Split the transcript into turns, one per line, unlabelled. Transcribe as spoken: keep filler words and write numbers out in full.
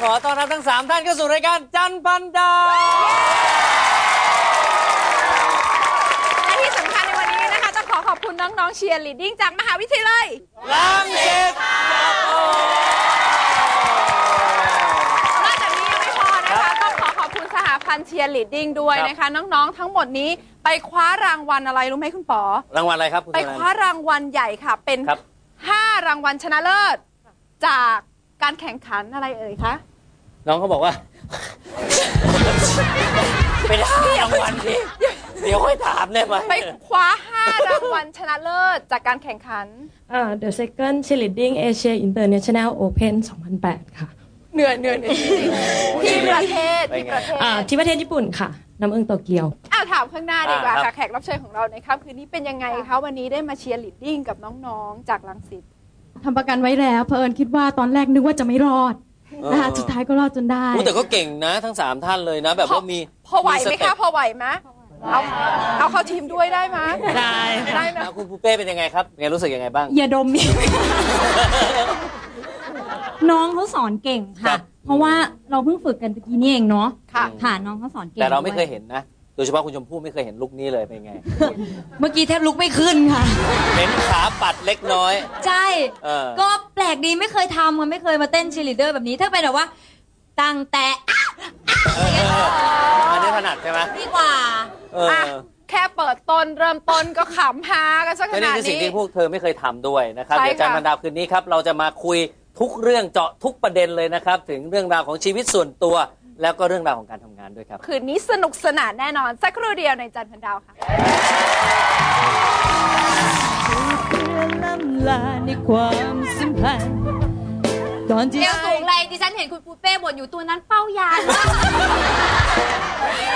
ขอต้อนรับทั้งสามท่านเข้าสู่รายการจันทร์พันดาว
และที่สำคัญในวันนี้นะคะต้องขอขอบคุณน้องๆเชียร์ลีดดิ้งจากมหาวิทยาลัย
รังสิต
นอกจากนี้ยังไม่พอนะคะต้องขอขอบคุณสหพันธ์เชียร์ลีดดิ้งด้วยนะคะน้องๆทั้งหมดนี้ไปคว้ารางวัลอะไรรู้ไหมคุณป๋อ
รางวัลอะไรครับ
ไปคว้ารางวัลใหญ่ค่ะเป็นห้ารางวัลชนะเลิศจากการแข่งขันอะไรเอ่ยคะ
น้องเขาบอกว่าเป็นห้ารางวัลที่เดี๋ยวค่อยถามได้ไหม
ไปคว้าห้ารางวัลชนะเลิศจากการแข่งขัน
อ่า The Second Cheerleading Asia International Open สองพันแปดค่ะ
เหนื่อยเหนื่อยเหนื่อยที่ประเทศที่ประเทศ
อ่าที่ประเทศญี่ปุ่นค่ะน้ำเอิงโตเกียว
อ่าถามข้างหน้าดีกว่าค่ะแขกรับเชิญของเราในค่ำคืนนี้เป็นยังไงคะวันนี้ได้มาเชียร์ลีดดิ้งกับน้องๆจากรังสิต
ทำประกันไว้แล้วเผอิญคิดว่าตอนแรกนึกว่าจะไม่รอดนะคะสุดท้ายก็รอดจนได้
แต่ก็เก่งนะทั้งสามท่านเลยนะแบบว่ามี
พอไหวไหมคะพอไหวไหมเอาเอาเข้าทีมด้วยได้ไหม
ได้
ได้ไหม
คุณปูเป้เป็นยังไงครับไงรู้สึกยังไงบ้าง
อย่าดมน้องเขาสอนเก่งค่ะเพราะว่าเราเพิ่งฝึกกันตะกี้นี่เองเนาะค่ะน้องเขาสอนเก่ง
แต่เราไม่เคยเห็นนะโดยเฉพาะคุณชมพู่ไม่เคยเห็นลุคนี้เลยเป็นไง
เมื่อกี้แทบลุกไม่ขึ้นค่ะ
เห็นขาปัดเล็กน้อย
ใช่ก็แปลกดีไม่เคยทำมันไม่เคยมาเต้นเชียร์ลีดเดอร์แบบนี้ถ้าเป็นแบบว่าตั้งแต่
อันนี้ถนัดใช่ไหม
ดีกว่า
แค่เปิดต้นเริ่มต้นก็ขำฮากันสักขนาดนี้
นี่คือสิ่งที่พวกเธอไม่เคยทำด้วยนะครับเดี๋ยวจันทร์พันดาวคืนนี้ครับเราจะมาคุยทุกเรื่องเจาะทุกประเด็นเลยนะครับถึงเรื่องราวของชีวิตส่วนตัวแล้วก็เรื่องราวของการทำงานด้วยครับ
คืนนี้สนุกสนานแน่นอนสักครู่เดียวในจันทร์พันดาวค่ะ
ล้ำลาในความสัมพันธ์
ก่อนที่เอวสูงเลยดิฉันเห็นคุณปูเป้บ่นอยู่ตัวนั้นเป้ายาน